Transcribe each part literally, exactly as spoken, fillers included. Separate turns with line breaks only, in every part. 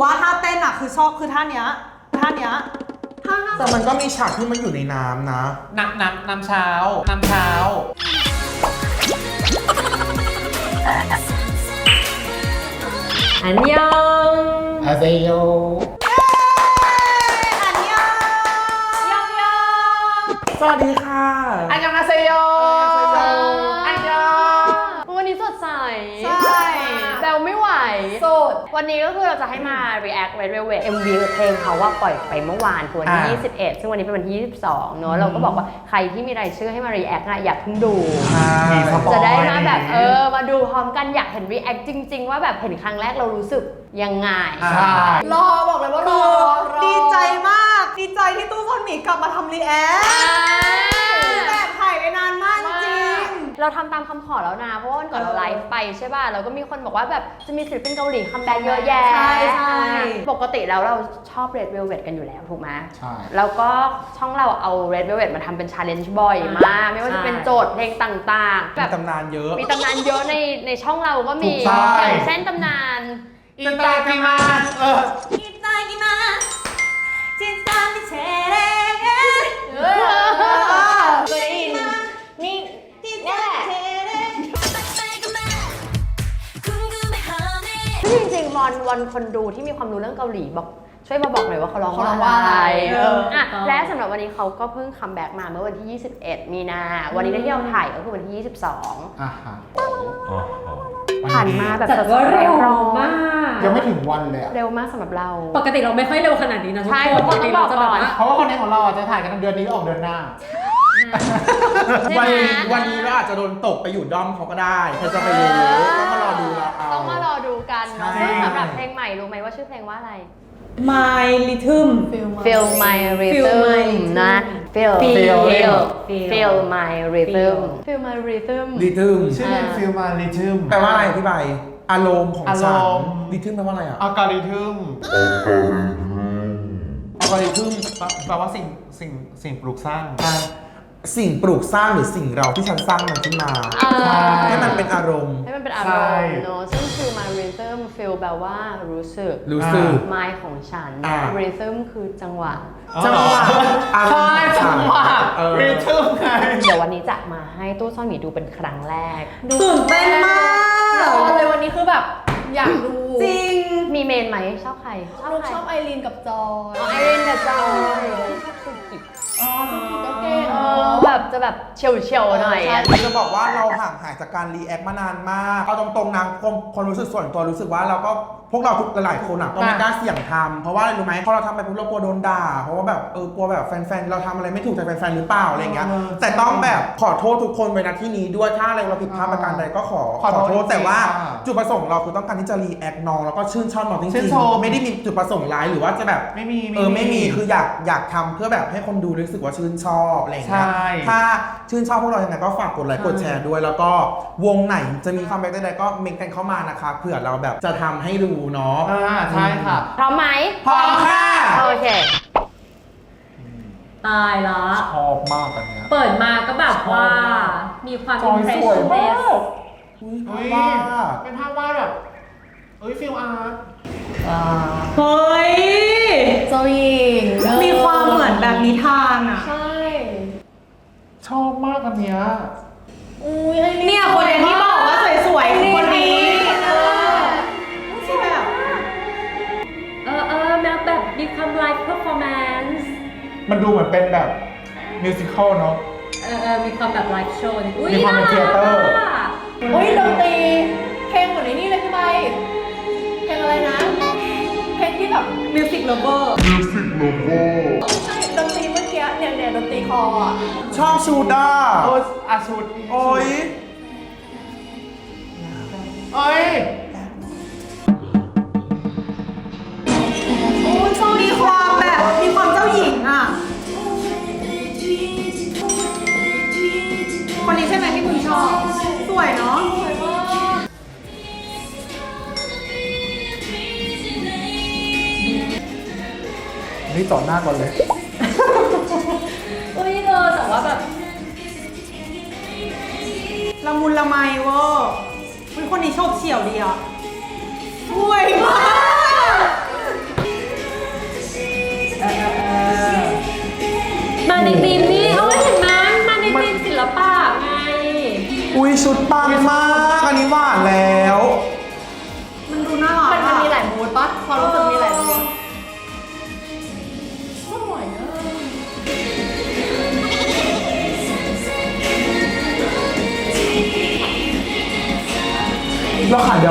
ว่าท่าเต้นอะคือชอบคือท่าเนี้ยท่าเนี้ยท่า
แต่มันก็มีฉากที่มันอยู่ในน้ำนะ
น้ำน้ำน้ำเช้าน้ำเช้า
อันยอง
อาเซโย
อันยองยองยอง
สวัสดีค่ะ
อันยองอาเซโยอันยอง
วันนี้สดใส
ใช่
แซวไม่ไหว
สด
วันนี้ก็คือเราจะให้มา react Red Velvet เอ็ม วี เพลงเขาว่าปล่อยไปเมื่อวานคือวันที่ยี่สิบเอ็ดซึ่งวันนี้เป็นวันที่ยี่สิบสองเนอะเราก็บอกว่าใครที่มีรายชื่อให้มา react นะอยากเพิ่งดูจะได้มาแบบเออมาดูพร้อมกันอยากเห็น react จริงๆว่าแบบเห็นครั้งแรกเรารู้สึกยังไง
ใช่
รอบอกเลยว่ารอดีใจมากดีใจที่ตู้ซ่อนหมีกลับมาทำรีแอคแบบถ่ายไปนานมากจริง
เราทำตามคำขอแล้วนะเพราะว่าวันก่อนเราไลฟ์ไปใช่ป่ะเราก็มีคนบอกว่าแบบจะมีศิลปินเกาหลีคัมแบ็กเยอะแยะ
ใช่ใช่
ปกติแล้วเราชอบ Red Velvet กันอยู่แล้วถูกไหม
ใช่
แล้วก็ช่องเราเอา Red Velvet มาทำเป็น challenge บ่อยมากไม่ว่าจะเป็นโจทย์เพลงต่างๆ
มีตำนานเยอะ
มีตำนานเยอะในในช่องเราก็มีอย่างเช่นตำนาน
อินตากิมาเออ
อินตากิมาจินตามิเชเรเออเคยได้ยินนี่นี่แหละ
จริงๆวอนวอนคนดูที่มีความรู้เรื่องเกาหลีบอกช่วยมาบอกหน่อยว่าเขาร้อง
ว่าอะไร
เอออ่ะและสำหรับวันนี้เขาก็เพิ่งคัมแบ็กมาเมื่อวันที่ยี่สิบเอ็ดมีนาวันนี้ที่เราถ่ายก็คือวันที่ยี่สิบสอง
อ่ะฮะ
ผ่านมาแบบ
แต่ว่าเร็วมาก
ยังไม่ถึงวันเลย
เร็วมากสำหรับเรา
ปกติเราไม่ค่อยเร็วขนาดนี้นะ
ใช่เพราะต้องบอกก่อน
เพราะว่าคนนี้ของเราจะถ่ายกันเดือนนี้ออกเดือนหน้าวันนี้วันนี้เราอาจจะโดนตกไปอยู่ด้อมเขาก็ได้เธอจะไปรู้ต้องมารอดูเราเอา
ต้องมารอดูกันเนาะซึ่งสำหรับเพลงใหม่รู้ไหมว่าชื่อเพลงว่าอะไร
My Rhythm
Feel My Rhythm นะ Feel Feel Feel My Rhythm Feel My Rhythm
Rhythm
ชื่อเพลง Feel My Rhythm
แปลว่าอะไรพี่ใบอารมณ์ของฉัน Rhythm แปลว่าอะไรอ่ะ
อัลกอริทึมอัลกอริทึมแปลว่าสิ่งสิ่งสิ่งปลูกสร้าง
สิ่งปลูกสร้างหรือสิ่งเราที่ฉันสร้างมันขึ้นมาให้มันเป็นอารมณ์
ให้มันเป็นอารมณ์เนอะซึ่งคือ My Rhythm Feel แปลว่ารู้สึก
รู้สึก
My ของฉัน Rhythm คือจังหวะ
จังหวะ
ใช่จังหวะ
Rhythm ไง
เดี๋ยววันนี้จะมาให้ตู้ซ่อนหมีดูเป็นครั้งแรก
ตื่นเต้นมาก
เลยวันนี้คือแบบอยากดู
จริง
มีเมนไหมชอบใคร
ชอบชอบไอรีนกับจอย
ไอรีนกับจอยชอบสุกิ
อ๋อสุกิก็เก่ง
แบบจะแบบเฉียวเฉียวหน่อย
จะบอกว่าเราห่างหายจากการรีแอคมานานมากเอาตรงๆนะความความรู้สึกส่วนตัวรู้สึกว่าเราก็พวกเราทุกหลายๆคนอ่ะก็ไม่กล้าเสี่ยงทำเพราะว่าอะไรรู้ไหมพอเราทำไปปุ๊บเรากลัวโดนด่าเพราะว่าแบบเออกลัวแบบแฟนๆเราทำอะไรไม่ถูกใจแฟนๆหรือเปล่าอะไรเงี้ยแต่ต้องแบบขอโทษทุกคนไว้ณที่นี้ด้วยถ้าอะไรเราผิดพลาดประการใดก็ขอขอโทษแต่ว่าจุดประสงค์เราคือต้องการที่จะรีแอคน้องแล้วก็ชื่นชอบน้องจริงๆไม่ได้มีจุดประสงค์ร้ายหรือว่าจะแบบ
ไม่มี
เออไม่มีคืออยากอยากทำเพื่อแบบให้คนดูรู้สึกว่าชื่นชอบอะไรเงี้ยถ้าชื่นชอบพวกเราอย่างไรก็ฝากกดไลค์กดแชร์ด้วยแล้วก็วงไหนจะมีคัมแบ็กใดๆก็เมนกันเข้ามานะคะเผื่อเราแบบจะทำให้ดูเนาะ
ใช่ค่ะ
พร้อมไหม
พร้อมค่ะ
โอเค
ตายละ
ชอบมากอันเนี้ย
เปิดมาก็แบบว่ามีความอิมเพรสชั่น
เฮ้ยเป็นภาพวาดแบบเฮ้ยฟิลอาร์ต
เฮ้ย
เจ้าหญิง
มีความเหมือนแบบนิทานอ่ะ
ใช่
ชอบมากอันเนี้ย
เนี่ยคนที่บอกว่าสวยๆคนนี้
เออเออแบบแบบมีความไลฟ์เพอร์ฟอร์แมนซ์
มันดูเหมือนเป็นแบบมิวสิคอลเนาะ
เออเออมีความแบบไลฟ์โชว์
มีความเป็นเทเตอร์
โอ้ยดนตรีเพลงเหมือนนี่เลยพี่ใบเพลงอะไรนะเพลงที่แบบ
มิวสิกโลโก้
มิวสิกโลโก้
ใช่ดนตรีเมื่อกี้เนี่ยเนี่ยดนตรีคออ่ะ
ชอบชูด้า
โอ้อาชูด
โอ้ย
เอ้ย
มีความแบบมีความเจ้าหญิงอ่ะคนนี้ใช่ไหมที่คุณชอบสวยเนาะสวยมาก
นี่ต่อหน้าก่อนเลย
เฮ้ยเออแต่ว่าแบบ
ละมุนละไมเวอร์คนนี้โฉบเฉี่ยวดีอ่ะสวยมาก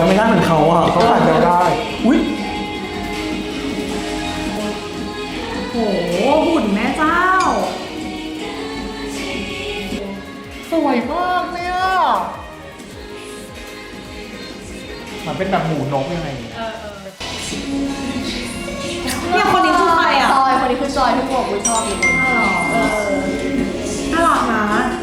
วไม่ได้เหมือนเขาอ่ะเขาถ่ายแววได้อุ้ย
โหหุ่นแม่เจ้า
สวยมากเนี่ยมันเป็นแบบหมูนกยังไงเนี่ย
เนี่ยคนนี้คือใครอ่ะ
จอยคนนี้คือจอยที่บอกกูชอบอยู่คนเออ
น่ารักนะ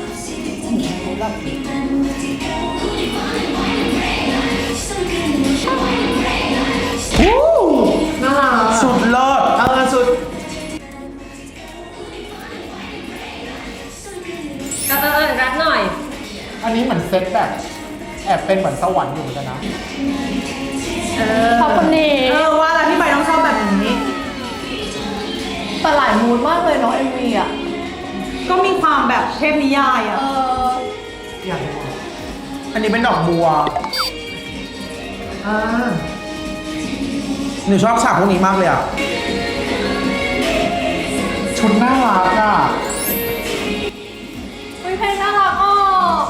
น่ารัก
สุดเลิศ
เออสุด
เออเออเออรักหน่อย
อันนี้เหมือนเซตแบบแอบเป็นเหมือนสวรรค์อยู่เหมือนกันนะ
ขอบคุณนี่
เออว่าแล้วพี่ใบต้องชอบแบบนี้
แต่หลายมูดมากเลยเนาะ เอ็ม วี อ่ะ
ก็มีความแบบเทพนิยาย
เอ
อ่ะ
อ
อย่างนี้
อันนี้เป็นดอกบัว
อ่า
หนูชอบฉากพวกนี้มากเลยอ่ะ
ชุดน่ารักอ่ะ
เฮ้ยเพลงน่ารักอ่ะ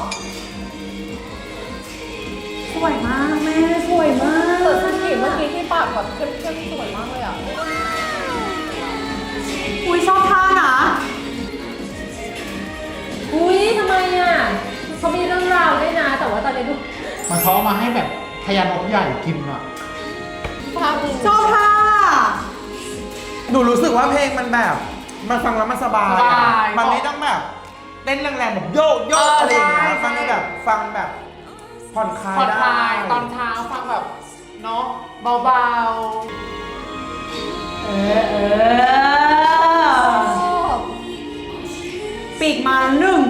สวยมากแม่สวยมาก
แต่สกิเมื่อกี้ที่ปากแบบเข้มๆสวยมากเลยอ่ะ
อุ้ยชอบท่านะ
อุ้ยทำไมอ่ะเขามีเรื่องราวด้วยนะ แต่ว่าตอนนี้ดู
มันเขาเอามาให้แบบพญานกใหญ่กินอ่ะ
ภาพดี
ชอบท่า
หนูรู้สึกว่าเพลงมันแบบ มันฟังแล้วมันสบาย
ส
อะ
บาย
มันไม่ต้องแบบเต้นแรงๆแบบโยกโยกอะไรอย่างเงี้ยมันแบบฟังแบบผ่อนคลาย
ผ่อน
ได้
คลายตอนเช้าฟังแบบเนาะเบา
เออเออปีกมาหนึ่ง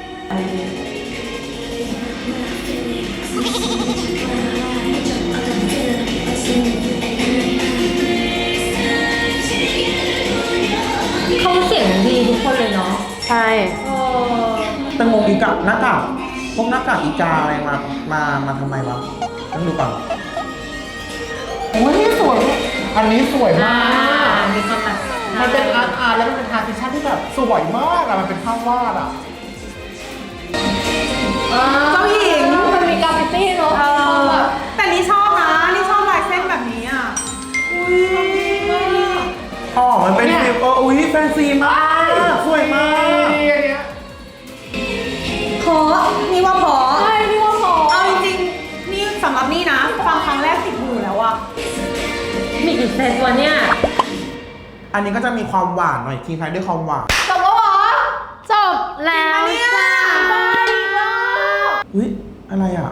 เขาเสียงดีทุกคนเลยเนาะ ใช่
แต่งงอีกกับหน้ากากพวกหน้ากากอีกาอะไรมา มามาทำไมวะต้องดูก่อน
ๆโอ้ยนี่สวย อันนี้สวยมาก
มีความแบบ
มันเป็นอาร์ตอาร์ตแล้วมันเป็นทาร์ติชั่นที่แบบสวยมากอะมันเป็นภาพวาดอะ
เจ้าหญิง
มันมีกราฟฟิตี้เนาะ
เออ
แบบ
แต่นี่ชอบนะ นี่ชอบลายเส้นแบบนี้อ่ะ อุ้ย
อ๋อ มันเป็นฟิลเอออุ้ยแฟนซีมากสวยมาก
นี่อันเนี้ย
เพราะนี่ว่าเพราะ
ใช่พี่ว่าพอ
เอาจริงๆ นี่สำหรับนี่นะ ฟังครั้งแรกติดหูแล้วอะ
มีกี่เซตวะเนี่ย
อันนี้ก็จะมีความหวานหน่อยทิ้งท้ายด้วยความหวาน
จบแล้วเหรอ
จบแล้วจ้า
อุ้ยอะไรอ่ะ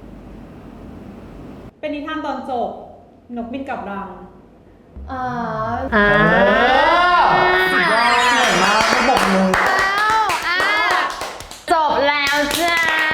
เป็นนิทานตอนจบ นกบินกลับรัง
อ่า
อ่า
สุดยอดสวยมากไม่บอกเลย
อ่าจบแล้วจ้า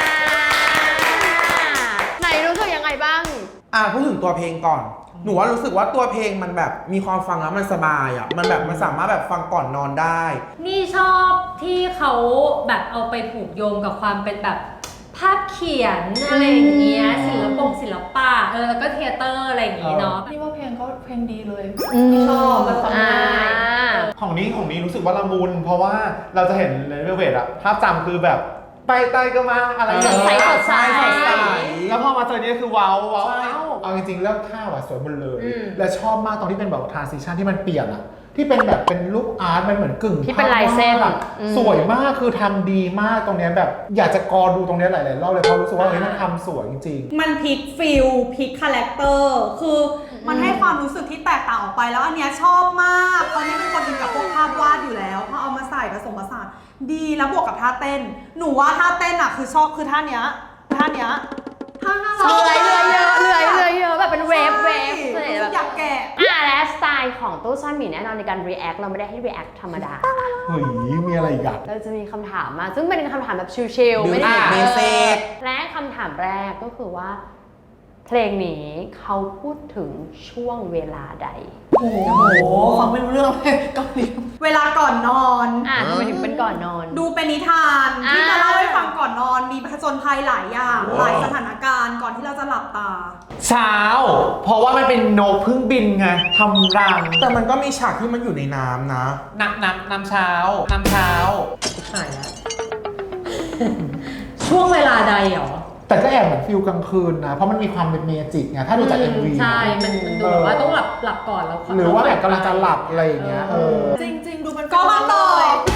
ไหนรู้สึกยังไงบ้าง
อ่ะพูดถึงตัวเพลงก่อน หนูว่ารู้สึกว่าตัวเพลงมันแบบมีความฟังแล้วมันสบายอ่ะ มันแบบมันสามารถแบบฟังก่อนนอนได้
นี่ชอบที่เขาแบบเอาไปผูกโยงกับความเป็นแบบภาพเขียนอะไรอย่างเงี้ยศิลปงศิลปะเออแล้วก็เทยเตอร์อะไรอย่างงี้เนาะ
นี่ว่าเพลงเขาเพลงดีเลย
อืม
ชอบมันฟัง
อ่า
ง่าย
ของนี้ของนี้รู้สึกว่าละมุนเพราะว่าเราจะเห็นเลเวลเวทอะภาพจำคือแบบไปไตก็มาอะไรอย่าง
สดใส
เงี้ย
สดใส
แล้วพอมาเจอนี้คือว้าวว้าว
ใช่
เอาจริงๆเรื่องท่าว่ะสวยหมดเลย
อืม
และชอบมากตรงที่เป็นแบบทรานซิชันที่มันเปลี่ยนอะที่เป็นแบบเป็นลูกอาร์ตมันเหมือนกึ่ง
ที่เป็นลายเส้น
ภพวาดอะ
อืม
สวยมากคือทำดีมากตรงเนี้ยแบบอยากจะกอดูตรงเนี้ยหลายๆรอบเลยเพราะรู้สึกว่าเฮ้ยมันทำสวยจริง
มันพลิกฟิลพลิกคาแรคเตอร์คือมันให้ความรู้สึกที่แตกต่างออกไปแล้วอันเนี้ยชอบมากตอนนี้เป็นคนอินกับพวกภาพวาดอยู่แล้วพอเอามาใส่ผสมผสานดีแล้วบวกกับท่าเต้น หนูว่าท่าเต้นอ่ะคือชอบคือท่าเนี้ยท่าเนี้ยท่าน่ารัก
เลื่อยเลื่อยเยอะเลื่อยเลื่อยเยอะแบบเป็นเวฟเวฟ
ใช่
เลยแบบ
อยากแกะ
อ่าและสไตล์ของตู้ซ่อนหมีแน่นอนในการ react เราไม่ได้ให้ react ธรรมดา
ๆเฮ้ยมีอะไรอีกอะ
เราจะมีคำถามมา ซึ่งเป็นคำถามแบบชิลๆ ไม่ได้
เบสิก
และคำถามแรกก็คือว่า เพลงนี้เขาพูดถึงช่วงเวลาใด
โอ้โห ฟังไม่รู้เรื่องเลยเกาหลี
เวลาก่อนนอน
อ่าทำไมถึงเป็นก่อนนอน
ดูเป็นนิทาน
อ่า
ที่จะเล่าให้ฟังก่อนนอน มีผจญภัยหลายอย่างหลายสถานการณ์ก่อนที่เราจะหลับตา
เช้า เพราะว่ามันเป็นนกเพึ่งบินไงทำรัง
แต่มันก็มีฉากที่มันอยู่ในน้ำนะ
น้ำน้ำน้ำเช้าน้ำเช้า
หายแล้ว ช่วงเวลาใดเหรอ
แต่ก็แอบเหมือนฟิลกลางคืนนะเพราะมันมีความเป็นเมจิกไงถ้าดูจาก เอ็ม วี
ใช่ มันมันดูแบบว่าต้องหลับหลับก่อนแล้ว
หรือว่าแบบกำลังจะหลับอะไรอย่างเงี้ยเออ
จริง ๆ ดูมัน
ก็มาต่อ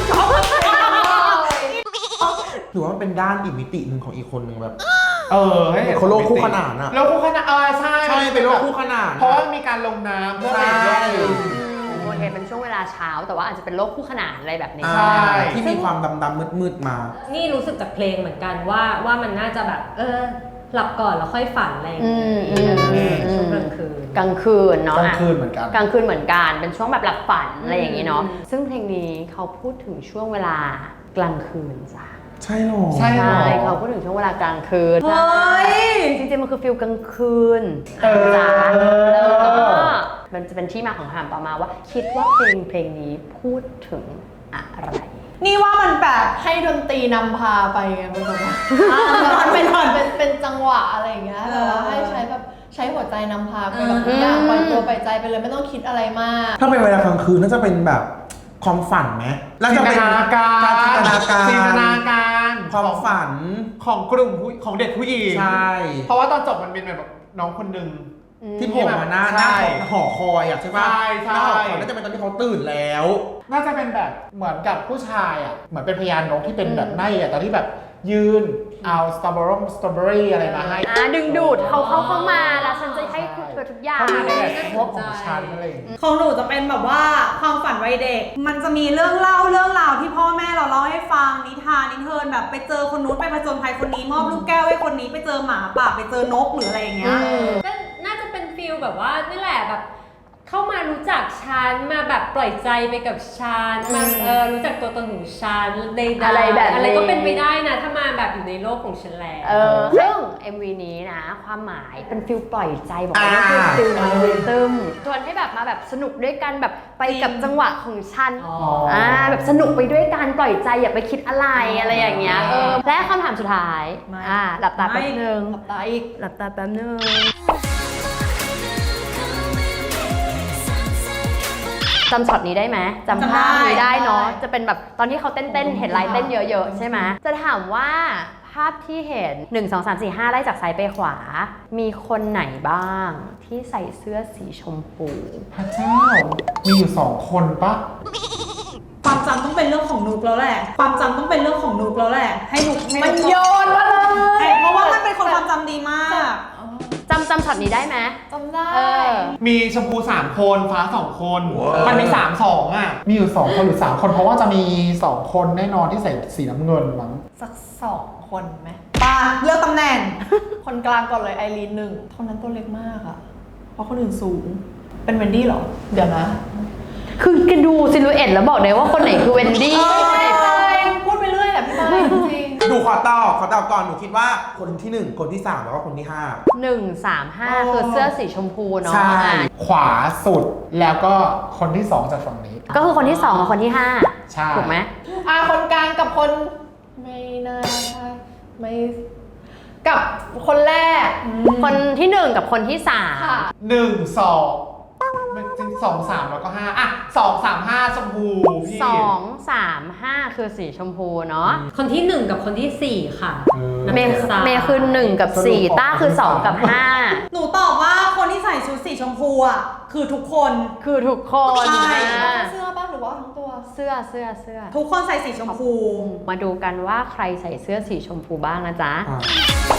หรือว่ามันเป็นด้านอีกมิติหนึ่งของอีกคนหนึ่งแบบ
เออให้
เขาโลกคู่ขนานอะ
โลกคู่ขนานเออใช่
ใช่เป็นโลกคู่ขนาน
เพราะว่ามีการลงน้ำเพื่อเป็นโลกอื่น
โอเคเป็นช่วงเวลาเช้าแต่ว่าอาจจะเป็นโลกคู่ขนานอะไรแบบนี้
อ่า
ใช่
ที่มีความดำๆมืดๆมา
นี่รู้สึกจากเพลงเหมือนกันว่าว่ามันน่าจะแบบ เออ หลับก่อนแล้วค่อยฝันอะไรอย่าง
อื
เงี้ย
มอืมอืม
ช่วงกลางคืน
กลางคืนเนาะ
กลางคืนเหมือนกัน
กลางคืนเหมือนกันเป็นช่วงแบบหลับฝันอะไรอย่างนี้เนาะซึ่งเพลงนี้เขาพูดถึงช่วงเวลากลางคืนจ้ะ
ใช่หรอ
ใช่หรอ
ใช่เขาพูดถึงช่วงเวลากลางคืน
เฮ้ย
จริงๆมันคือฟิลกลางคืน
เออ
จ้ะแล้วก็มันจะเป็นที่มาของคำต่อมาว่า คิดว่าเพลงเพลงนี้พูดถึงอะไร
นี่ว่ามันแบบ
ให้ดนตรีนำพาไปไงเป็นแบบว่ามันเป็นเป็นเป็นจังหวะอะไรอย่างเงี้ยแต่ว่าให้ใช้แบบใช้หัวใจนำพาไปกับทุกอย่างปล่อยตัวปล่อยใจไปเลยไม่ต้องคิดอะไรมาก
ถ้าเป็นเวลากลางคืนน่าจะเป็นแบบความฝันไหมแล้วจะเป็น
จินตนาการ
จินตนาการ
จินตนาการ
ความฝัน
ของกลุ่มผู้ของเด็กผู้หญิง
ใช่
เพราะว่าตอนจบมันเป็นแบบน้องคนหนึ่ง
ที่โผมมาหน้าหน้า
ใช่
หอคอยอ่ะใช่ปะ
ใช่ใช่
หน้าหอคอยน่าจะเป็นตอนที่เขาตื่นแล้ว
น่าจะเป็นแบบเหมือนกับผู้ชายอ่ะเหมือนเป็นพยานนกที่เป็นแบบไนอ่ะตอนที่แบบยืนเอาสตรอเบอรี่สตรอเบอรี่อะไรมาให้
อ่าดึงดูดเขาเข้าเข้ามาแล้วฉันจะให้เธอทุกอย่าง
เขามีในแบบพวกของฉันอะไรอย่างเงี้ย
ของหนูจะเป็นแบบว่าความฝันวัยเด็ก มันจะมีเรื่องเล่าเรื่องราวที่พ่อแม่เราเล่าให้ฟังนิทานนิเทิร์นแบบไปเจอคนนู้นไปผจญภัยคนนี้มอบลูกแก้วให้คนนี้ไปเจอหมาป่าไปเจอนกหรืออะไรอย่างเงี้ย
ก็น่าจะเป็นฟิลแบบว่านี่แหละแบบเข้ามารู้จักฉันมาแบบปล่อยใจไปกับฉันมาเออรู้จักตัวตนของฉันใดๆ
อะไรแบบนี้
อะไรก็เป็นไปได้นะถ้ามาแบบอยู่ในโลกของฉันแล้ว
เออซึ่ง เอ็ม วี นี้นะ ความหมายเป็นฟิลปล่อยใจบอกว่านี่คือฟิลมันริทึมชวนให้แบบมาแบบสนุกด้วยกันแบบไปกับจังหวะของฉัน
อ๋อ
อ่าแบบสนุกไปด้วยกันปล่อยใจอย่าไปคิดอะไรอะไรอย่างเงี้ยเออและคำถามสุดท้าย
ไม่
อ่าหลับตาแป๊บนึง
หลับตาอีก
หลับตาแป๊บนึงจำช็อตนี้ได้ไหมจำภาพนี้ได้เนาะจะเป็นแบบตอนที่เขาเต้นๆเห็นลายเต้นเยอะๆใช่ไหมจะถามว่าภาพที่เห็นหนึ่ง สอง สาม สี่ ห้าไล่จากซ้ายไปขวา มีคนไหนบ้างที่ใส่เสื้อสีชมพู
พระเจ้ามีอยู่สองคนปะ
ความจำต้องเป็นเรื่องของนุกแล้วแหละ ความจำต้องเป็นเรื่องของนุกแล้วแหละ ให้นุกให้
มัน
นุก
โยนมาเลย
เพราะว่ามันเป็นคนความจำดีมาก
จำจำช็อตนี้ได้ไหม
จำได้
เออ
มีชมพูสามคนฟ้าสองคน มันมีสามสองอ่ะ
มีอยู่สองคนหรือสามคนเพราะว่าจะมีสองคนแน่นอนที่ใส่สีน้ำเงินมั้ง
สักสองคนไหม
ปาเลือกตำแหน่ง
คนกลางก่อนเลยไอรีนหนึ่งคนนั้นตัวเล็กมากอะเพราะคนอื่นสูง เป็นเวนดี้เหรอ เดี๋ยวนะ
คือแกดูซิลูเอตแล้วบอกได้ว่าคนไหนคือเวนดี้
พูดไปเรื่อยแหละพี่ไม้จริง
ดูขอตอบขอตอบก่อนหนูคิดว่าคนที่หนึ่งคนที่สามแล้วก็คนที่ห้า
หนึ่งสามห้าคือเสื้อสีชมพูเนาะ
ใช่
อ่ะ
ขวาสุดแล้วก็คนที่สองจากฝั่งนี้
ก็คือคนที่สองกับคนที่ห้า
ใช่
ถูกไหม
อ่าคนกลางกับคนไม่น่าใช่ไม่กับคนแรก
คนที่หนึ่งกับคนที่สาม
ค่ะ
หนึ่งสองมันจริงสองสามแล้วก็ห้าอ่ะสองสามห้าชมพูพี่
สองสามห้าคือสีชมพูเนาะ
คนที่หนึ่งกับคนที่สี่ค่ะ
เออ
เมย์เมย์คือหนึ่งกับสี่ต้าคือสองกับห้า
หนูตอบว่าคนที่ใส่ชุดสีชมพูอ่ะ คือทุกคน
คือทุกคน
ใช่
อ่ะ
เสื้อป่ะหรือว่าทั้งตัว
เสื้อเสื้อเสื้อ
ทุกคนใส่สีชมพู
มาดูกันว่าใครใส่เสื้อสีชมพูบ้างนะจ๊ะ
อ่า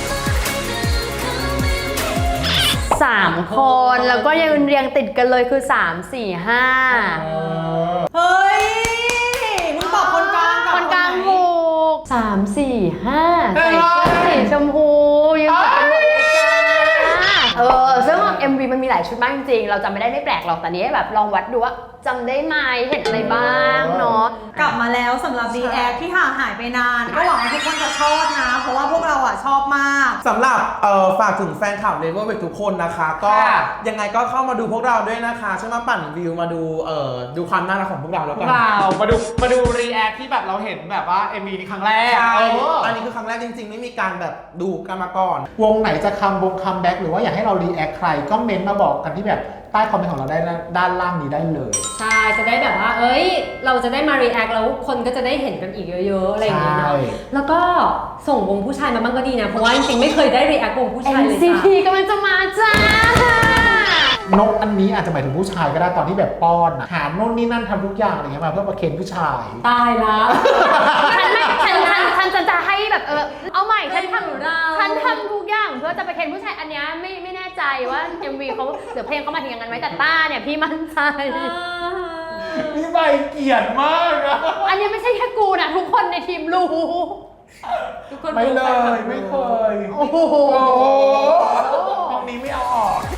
สามคนแล้วก็ยังเรียงติดกันเลยคือสามสี่ห้า
เฮ้ย มึงตอบคนกลางกับ
คนกลาง
ไห
ถูกสามสี่ห้าใส่เสื้อสีชมพูยังเหมือนกันหมดเลยจ้าเออซึ่ง เอ็ม วี มันมีหลายชุดมากจริงๆเราจำไม่ได้ไม่แปลกหรอกแต่นี้แบบลองวัดดูว่าจำได้ไหมเห็นอะไรบ้างเนาะ
กลับมาแล้วสำหรับ ดี แอค ที่ห่างหายไปนาน ก็หวังว่าทุกคนจะชอบนะ เพราะว่าพวกเราอ่ะชอบมาก
สำหรับเอ่อฝากถึงแฟนคลับเลเวอร์เวทุกคนนะคะ ก็
ค่ะ
ยังไงก็เข้ามาดูพวกเราด้วยนะคะช่วยมาปั่นวิวมาดูเอ่อดูความน่ารักของพวกเราแล้ว
พว
กั
ก
น
เรามาดูมาดูรีแอคที่แบบเราเห็นแบบว่า เอ็ม วี นี้ครั้งแรก
ใช่
เออ
อันนี้คือครั้งแรกจริงๆ ไม่มีการแบบดูกันมาก่อน
วงไหนจะคัมวงคัมแบ็กหรือว่าอยากให้เรารีแอคใครก็เม้นต์มาบอกกันที่แบบใต้คอมเมนต์ของเราได้ด้านล่างนี้ได้เลย
ใช่ จะได้แบบว่า เอ้ย เราจะได้มา react แล้วคนก็จะได้เห็นกันอีกเยอะๆ อะไรอย่างเงี้ยเนาะ
ใช่
แล้วก็ส่งวงผู้ชายมาบ้างก็ดีนะ เพราะว่าจริงๆ ไม่เคยได้ react วงผู้ชายเลย
เอ็น ซี
จ้ะ
ที กำลังจะมาจ้า
นกอันนี้อาจจะหมายถึงผู้ชายก็ได้ตอนที่แบบป้อนอะหาโน่นนี่นั่นทำทุกอย่างอะไรเงี้ยมาเพื่อประเคนผู้ชาย
ตายละ
ฉันไม่ฉันฉันฉันจะจะให้แบบเออเอาใหม่ฉันท
ไม่รู้เรา
ำฉันทำทุกอย่างเพื่อจะไปเคนผู้ชายอันเนี้ยไม่ไม่แน่ใจว่า เอ็ม วี เขาหรือเพลงเขามาถึงอย่างนั้นไหมแต่ต้าเนี่ยพี่มั่นใจ
นี่ใบเกียรติมากอะ
อันนี้ไม่ใช่แค่กูนะทุกคนในทีมรู้
ทุกคน
ไม่เลยไม่เคย
โอ้โห
ห้องนี้ไม่เอาออก